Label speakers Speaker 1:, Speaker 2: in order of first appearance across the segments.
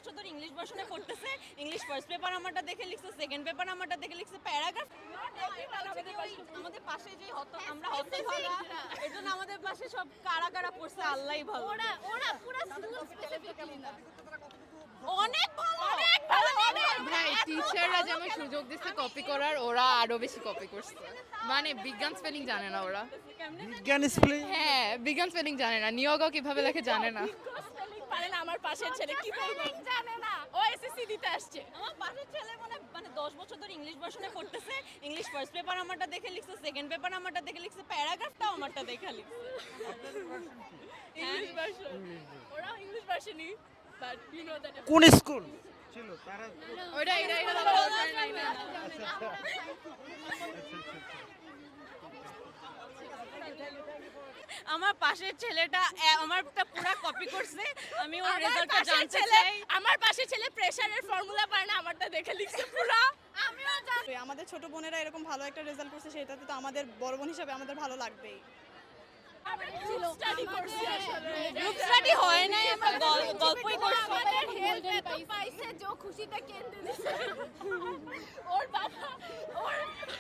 Speaker 1: বছর ধরে ইংলিশ ভার্সনে পড়তেছে। ইংলিশ ফার্স্ট পেপার আমারটা দেখে লিখছে, সেকেন্ড পেপার আমারটা দেখে লিখছে, প্যারাগ্রাফ আমাদের পাশে যে আমরা হতভাগা, এজন্য আমাদের পাশে সব কারা কারা পড়ছে আল্লাহই ভালো।
Speaker 2: ওরা পুরো স্কুল স্পেসিফিক্যালি না,
Speaker 1: অনেক ভালো, অনেক ভালো,
Speaker 3: ভাই টিচাররা যেমন সুযোগ দিচ্ছে কপি করার, ওরা আরো বেশি কপি করছে। মানে বিজ্ঞান স্পেলিং জানে না ওরা।
Speaker 4: বিজ্ঞান স্পেলিং?
Speaker 3: হ্যাঁ, বিজ্ঞান স্পেলিং জানে না, নিয়োগও কিভাবে লেখে জানে না।
Speaker 2: পারে না। আমার পাশের ছেলে কি বলবো জানে না, ও এসএসসি দিতে আসছে।
Speaker 1: আমার পাশের ছেলে মানে 10 বছর ধরে ইংলিশ ভার্সনে পড়তেছে। ইংলিশ ফার্স্ট পেপার আমারটা দেখে লিখছে, সেকেন্ড পেপার আমারটা দেখে লিখছে, প্যারাগ্রাফটাও আমারটা দেখে লিখছে।
Speaker 2: ইংলিশ ভার্সন, ওরাও ইংলিশ ভার্সনই, বাট ইউ নো দ্যাট
Speaker 4: কোন স্কুল ছিল তারা?
Speaker 3: ওটা এটা এটা
Speaker 1: আমার পাশের ছেলেটা আমারটা পুরো কপি করছে। আমি ওর রেজাল্টটা জানতে চাই।
Speaker 2: আমার পাশের ছেলে প্রেসারের ফর্মুলা পারে না, আমারটা দেখে লিখছে পুরো। আমিও জানি।
Speaker 5: আমাদের ছোট বোনেরা এরকম ভালো একটা রেজাল্ট করছে, সেটাতে তো আমাদের বড় বোন হিসাবে আমাদের ভালো লাগবেই।
Speaker 2: স্টাডি করছি আসলে,
Speaker 1: গ্রুপ স্টাডি হয় নাই, আমরা গল্পই করছি।
Speaker 2: আমাদের হেল্প এত পাইছে যে খুশিটা কেন্দ্রে দিছে ওর বাবা, ওর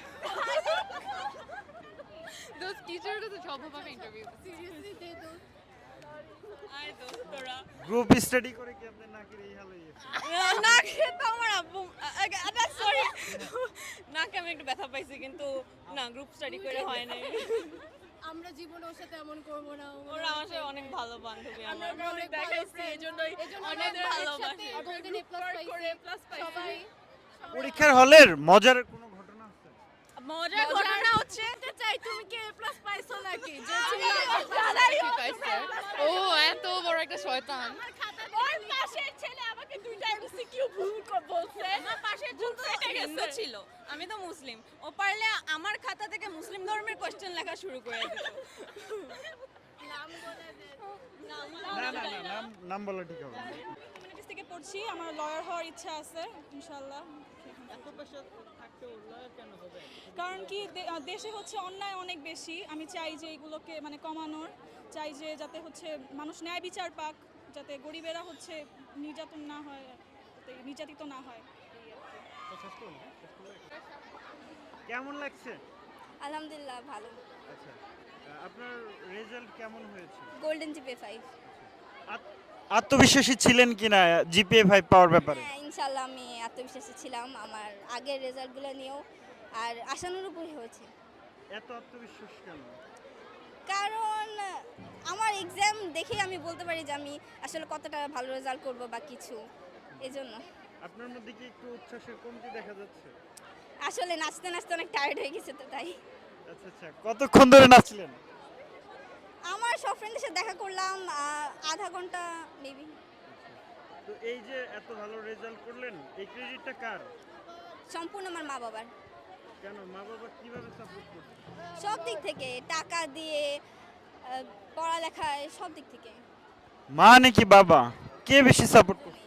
Speaker 3: those teachers are the top of our interview.
Speaker 2: Seriously দে দো।
Speaker 1: আয় দোস্তরা,
Speaker 4: গ্রুপ স্টাডি করে কি আপনাদের নাকের এই হাল হয়েছে?
Speaker 1: না খেতে আমার আব্বু সরি নাকে আমি একটু ব্যথা পাইছি, কিন্তু না গ্রুপ স্টাডি করে হয় নাই।
Speaker 2: আমরা জীবনে ওর সাথে এমন করব না।
Speaker 1: ওরা আমার সাথে অনেক ভালো বান্ধবী।
Speaker 2: আমরা
Speaker 1: আমার
Speaker 2: অনেক দেখাইছি, এজন্যই
Speaker 1: অনেক ভালোবাসি।
Speaker 2: অটোমেটিক প্লাস করে প্লাস পাইছি সবাই।
Speaker 4: পরীক্ষার হলের মজার কোনো ঘটনা আছে?
Speaker 1: মজার ঘটনা হচ্ছে
Speaker 2: চাই তুমি কি এ প্লাস পাইছো নাকি? যে
Speaker 3: কি পাইছে? ও এত বড় একটা শয়তান।
Speaker 2: আমার খাতা ওর পাশের ছেলে আমাকে দুইটা এমসিকিউ ভুল বলছে।
Speaker 1: আমার পাশের জন তো একটা হিন্দু ছিল, আমি তো মুসলিম। ও পারলে আমার খাতা থেকে মুসলিম ধর্মের কোশ্চেন লেখা শুরু করে দিত।
Speaker 2: নাম বলে দে।
Speaker 4: না না না, নাম বলা ঠিক হবে না।
Speaker 5: কমিউনিটিস থেকে পড়ছি, আমার লয়ার হওয়ার ইচ্ছা আছে ইনশাআল্লাহ। কারণ কি দেশে হচ্ছে অন্যায় অনেক বেশি, আমি চাই যে এগুলোকে মানে কমানোর, চাই যে যাতে হচ্ছে মানুষ ন্যায় বিচার পাক, যাতে গরিবেরা হচ্ছে নির্যাতন না হয়, যাতে নির্যাতিত না হয়।
Speaker 4: কেমন লাগছে?
Speaker 6: আলহামদুলিল্লাহ ভালো।
Speaker 4: আচ্ছা, আপনার রেজাল্ট কেমন হয়েছে?
Speaker 6: Golden GPA 5।
Speaker 4: আত্মবিশ্বাসী ছিলেন কিনা জিপিএ 5 পাওয়ার ব্যাপারে?
Speaker 6: হ্যাঁ ইনশাল্লাহ আমি আত্মবিশ্বাসী ছিলাম আমার আগের রেজাল্টগুলো নিয়েও, আর আশানুরূপই হয়েছে।
Speaker 4: এত আত্মবিশ্বাস কেন?
Speaker 6: কারণ আমার এক্সাম দেখে আমি বলতে পারি যে আমি আসলে কতটা ভালো রেজাল্ট করব বা কিছু, এজন্য।
Speaker 4: আপনার মধ্যে কি একটু উচ্ছ্বাসের কমতি দেখা যাচ্ছে?
Speaker 6: আসলে নাচতে নাচতে অনেক টায়ার্ড হয়ে গেছে, তো তাই।
Speaker 4: আচ্ছা আচ্ছা, কতক্ষণ ধরে নাচলেন?
Speaker 6: আমার সব ফ্রেন্ডের সাথে দেখা করলাম আধা ঘন্টা মেবি।
Speaker 4: তো এই যে এত ভালো রেজাল্ট করলেন, এই ক্রেডিটটা কার?
Speaker 6: সম্পূর্ণ আমার মা বাবার।
Speaker 4: কেন, মা বাবা কিভাবে সাপোর্ট করছে?
Speaker 6: সব দিক থেকে, টাকা দিয়ে, পড়ালেখায়, সব দিক থেকে।
Speaker 4: মা নাকি বাবা, কে বেশি সাপোর্ট করছে?